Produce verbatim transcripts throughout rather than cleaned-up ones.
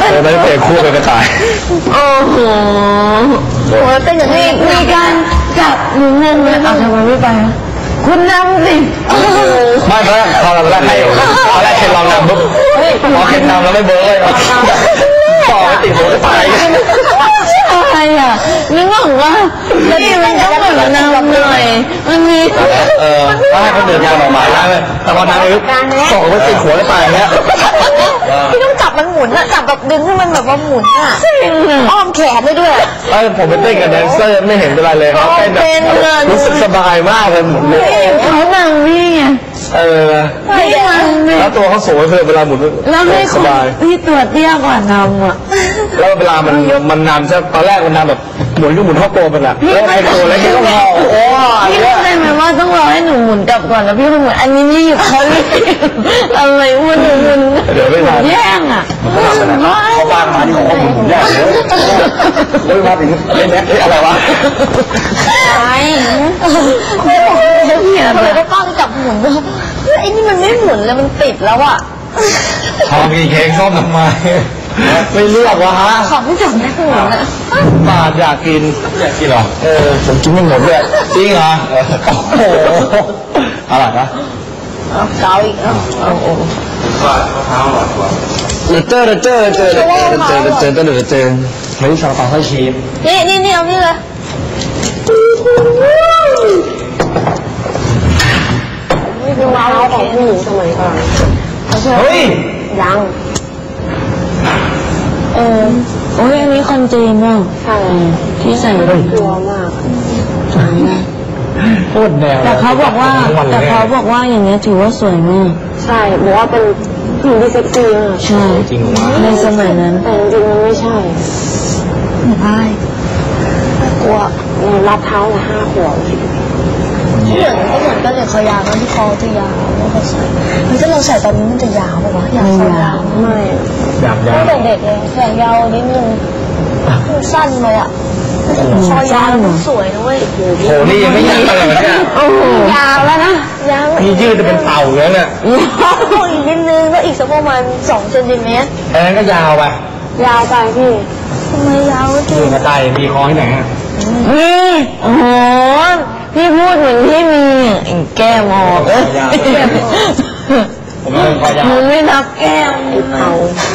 เลยไม่ได้เตะคู่เป็นกระต่ายโอ้โหโหเป็นอย่างนี้มีการจับหนูงงเลยเอาทำไมไม่ไปคุณนำสิไม่เพราะตอนแรกให้ตอนแรกเคนลองนำปุ๊บพอเคนนำแล้วไม่เบิร์เลยต่อไปติดหัวก็ตายใช่อ่ะนึกว่าแล้วนี่มันต้องแบบนำหน่อยมันมีเออถ้าให้คนอื่นทำออกมาได้เลยแต่พอนำปุ๊บส่งไปติดหัวก็ตายเงี้ยพี่ต้องจับมันหมุนอะจับแบบดึงให้มันแบบว่าหมุนอะอ้อมแขนได้ด้วยไอ้ผมไปเต้นกับแดนเซอร์ไม่เห็นเป็นไรเลยเขาเต้นแบบรู้สึกสบายมากเลยหมุนเลยเขานำพี่ไงเออแล้วตัวเขาสูงเลยเวลาหมุนแล้วไม่สบายพี่ตัวเตี้ยกว่านำอ่ะแล้วเวลามันมันนำใช่ตอนแรกมันนำแบบหมุนก็หมุนเท่าโตเป็นอะแล้วไอ้ตัวเล็กก็พอโอ้พี่รู้ได้ไหมว่าต้องรอให้หนูหมุนกลับก่อนแล้วพี่ก็หมุนอันนี้นี่เขาเลยอะไรวุ่นวุ่นเดี๋ยวไม่ทันแย่งอ่ะเขาบ้านมาที่ของผมแย่เลยโอ้ยมาถึงเล่นแม็กอะไรวะไอ้พี่อะไรก็ป้องจับหมุนด้วยไอ้นี่มันไม่หมุนเลยมันติดแล้วอ่ะทองมีเค้กส้มทำไมไม่เลือกวะฮะของที่จับไม่หมุนอ่ะบาดอยากกินอยากกินเหรอเออผมกินไม่หมดเลยจริงเหรอโอ้โหอะไรนะเกาอีกแล้วโอ้บาดมะพร้าวหวานกว่าเจอเจอเจอเจอเจอเจอเจอเจอเจอไม่ใช่ซาลาเปาไส้ชีสนี่นี่นี่เอานี่เลยนี่คือมะพร้าวของผู้หญิงสมัยก่อนเฮ้ยยังเออโอ้ยอันนี้คอนจีนอ่ะใช่ที่ใส่กลัวมากโคตรแนวแต่เขาบอกว่าแต่เขาบอกว่าอย่างเงี้ยถือว่าสวยมากใช่บอกว่าเป็นผู้หญิงที่เซ็กซี่มากใช่จริงวะในสมัยนั้นแต่จริงๆมันไม่ใช่ไม่ใช่กลัวรับเท้าละห้าขวบเหมือนก็เหมือนกันเลยคอยาวนะที่คอจะยาวแล้วก็ใส่มันถ้าเราใส่ตอนนี้มันจะยาวป่ะวะยาวยาวไม่ยาวยาวตั้งแต่เด็กเลยแขนยาวนิดนึงสั้นเลยอ่ะคอยาวสวยนะเว้ยโหนี่ยังไม่ยืดเลยเนี่ยยาวแล้วนะยาวนี่ยืดจะเป็นเต่าแล้วเนี่ยยาวอีกนิดนึงก็อีกสักประมาณสองเซนติเมตรเอ้ก็ยาวไปยาวไปพี่ทำไมยาวจริงกระต่ายมีคอที่ไหนอ่ะนี่โอ้โหพี่พูดเหมือนพี่มีแก้มออกเลยผมเป็นคอยาวมันไม่นับแก้มเอา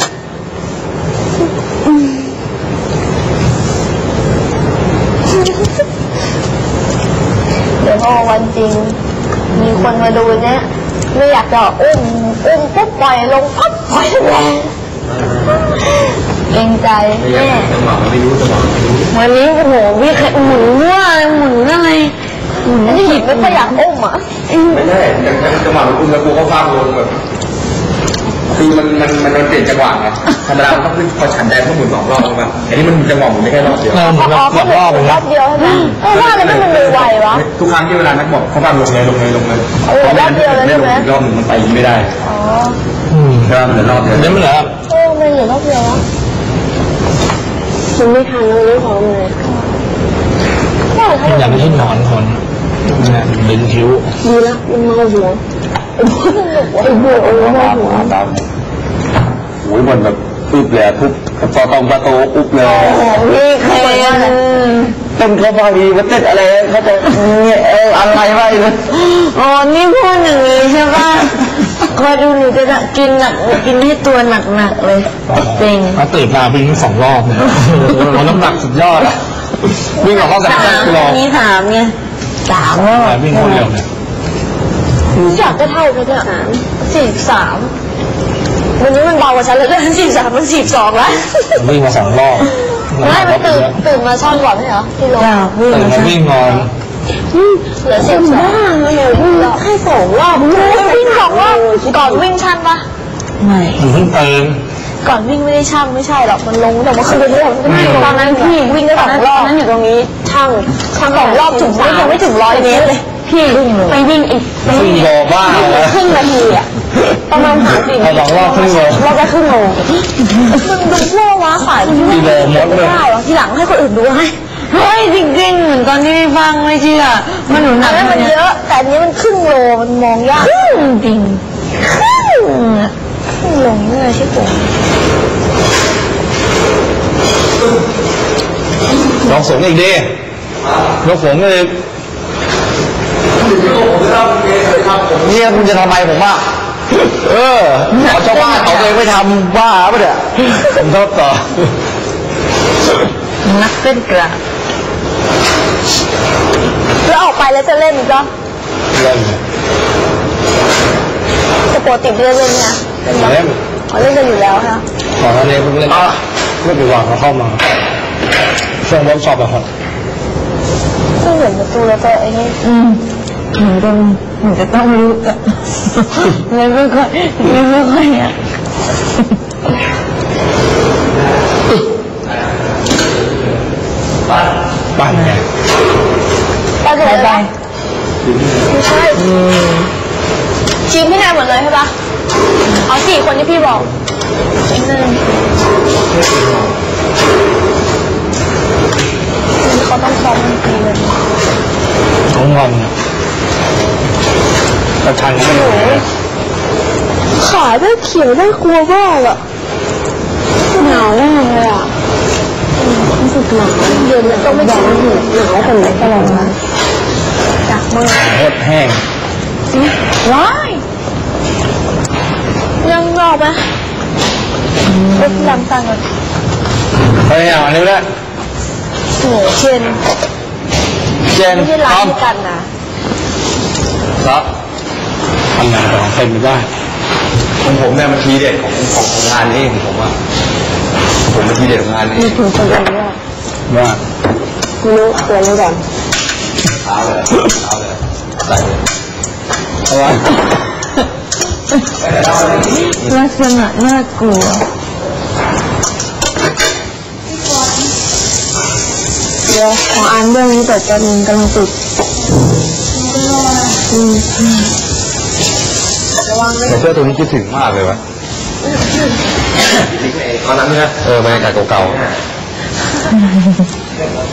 เดี๋ยวพอวันจริงมีคนมาดูเนี้ยไม่อยากจะอุ้มอุ้มปุ๊บปล่อยลงปั๊บปล่อยแรงเกรงใจแม่จังหวะไม่รู้จังหวะไม่รู้วันนี้โอ้โหพี่หมุนว่าหมุนอะไรหมุนที่หยิบไม่ค่อยอยากอุ้มอ่ะไม่ได้จังหวะอุ้มแล้วกูก็ฟาดลงแบบคือมันมันมันมันเปลี่ยนจังหวะไงธรรมดามันต้องขึ้นพอฉันแดงต้องหมุนสองรอบใช่ไหมอันนี้มันจังหวะหมุนได้แค่รอบเดียวหมุนรอบรอบรอบเดียวใช่ไหมเออว่าอะไรไม่มันมือไววะทุกครั้งที่เวลานักบอกเขาฟาดลงเลยลงเลยลงเลยเออรอบเดียวเลยใช่ไหมรอบหนึ่งมันไปไม่ได้อ๋ออืมใช่มันเหลือรอบเดียวนี่มันเหลือเออมันเหลือรอบเดียวแล้วมันไม่ทันแล้วไม่พร้อมเลยอยากให้นอนคนเนี่ยดึงคิ้วดีละมันเมาหัวไอ้บัวไอ้บัวเมาหัวตามโอ้ยมันแบบอึบเลยทุบพอตรงประตูอึบเลยพี่เคยเป็นเขาบางทีมันติดอะไรเขาจะเนี่ยเอออะไรไว้เลยอ๋อนี่พูดอย่างนี้ใช่ป่ะคอยดูหนูจะกินหนักกินให้ตัวหนักๆเลยจริงมาตื่นมาวิ่งสองรอบเนี่ยเราน้ำหนักสุดยอดอะวิ่งออกข้อกันแค่รอบนี้ถามไงสามรอบวิ่งคนเดียวเนี่ยอยากจะเท่ากันเนี่ยสี่สามวันนี้มันเบากว่าฉันเลยด้วยสี่สามมันสี่สองแล้ววิ่งมาสองรอบไม่มันตื่นตื่นมาช่อนก่อนไม่เหรอที่ลงตื่นมาวิ่งนอนเหลือสิบสองแค่สองรอบวิ่งสองรอบก่อนวิ่งชั่นปะไม่เพิ่งตื่นก่อนวิ่งไม่ได้ช่างไม่ใช่หรอกมันลงแต่ว่าคือตอนนั้นพี่วิ่งได้สองรอบนั้นอยู่ตรงนี้ช่างช่างสองรอบถึงไม่ยังไม่ถึงร้อยเมตรเลยพี่ไปวิ่งอีกไปวิ่งโลบ้าครึ่งนาทีอ่ะประมาณสามสิบสองรอบครึ่งโลรอบละครึ่งโลมันดูพวกว้าขายที่ไม่ได้หรอทีหลังให้คนอื่นดูให้เฮ้ยจริงๆเหมือนตอนที่ฟังไม่เชื่อมันหนุนหนักมันเยอะแต่อันนี้มันครึ่งโลมันมองยากครึ่งจริงครึ่งครึ่งโลนี่ใช่ไหมลองสูงอีกดิยกสูงเลยเนี่ยคุณจะทำไมผมว่าเออเอาชาวบ้านเอาเองไม่ทำบ้าปะเนี่ยผมชอบต่อนักเต้นกระแล้วออกไปแล้วจะเล่นอีกเหรอเล่นจะปกติเล่นเล่นเนี่ยเล่นเล่นอ๋อเล่นกันอยู่แล้วค่ะก่อนหน้านี้เพิ่งเล่นไม่กี่วันเขาเข้ามาช่วงเวิร์กช็อปอะครับก็เหมือนประตูแล้วก็ไอ้นี่อืมเหมือนกันเหมือนจะต้องรู้อะเลยไม่ค่อยเลยไม่ค่อยอ่ะบ้านไงไปเลยไปไม่ใช่ทีมพี่นายหมดเลยใช่ปะเอาสี่คนที่พี่บอกอีกหนึ่งเขาต้องซ้อมดนตรีเลยเขางอนกระชันไม่อยู่ขาได้เขียวได้กลัวมากอะหนาวแน่เลยอะรู้สึกหนาวเย็นแล้วต้องไม่ชินหูหนาวคนไหนตลอดนะจากมือโคตรแห้งว้ายยังรอไหมเอ็กซ์ลำตังกันเฮ้ยเอาอันนี้แหละโหเชนเจนไม่ใช่พร้าร้อน มเดียวกันนะครับทำงานของเต็มไม่ได้ของผมเนี่ยมันทีเด็ดของของของงานนี้ของผมอ่ะผมเป็นทีเด็ดของงานนี้มีถึงคนเดียวด้วยว่าไม่รู้ตัวนี้ก่อนเท้าเลยเท้าเลยใส่เลยเอาไว้ลักษณะน่ากลัวเดี๋ยวของอันเรื่องนี้แต่จะมีกำลังติดอืมระวังด้วยแต่เสื้อตัวนี้คิดถึงมากเลยวะตอนนั้นเนี่ยเออบรรยากาศเก่าๆ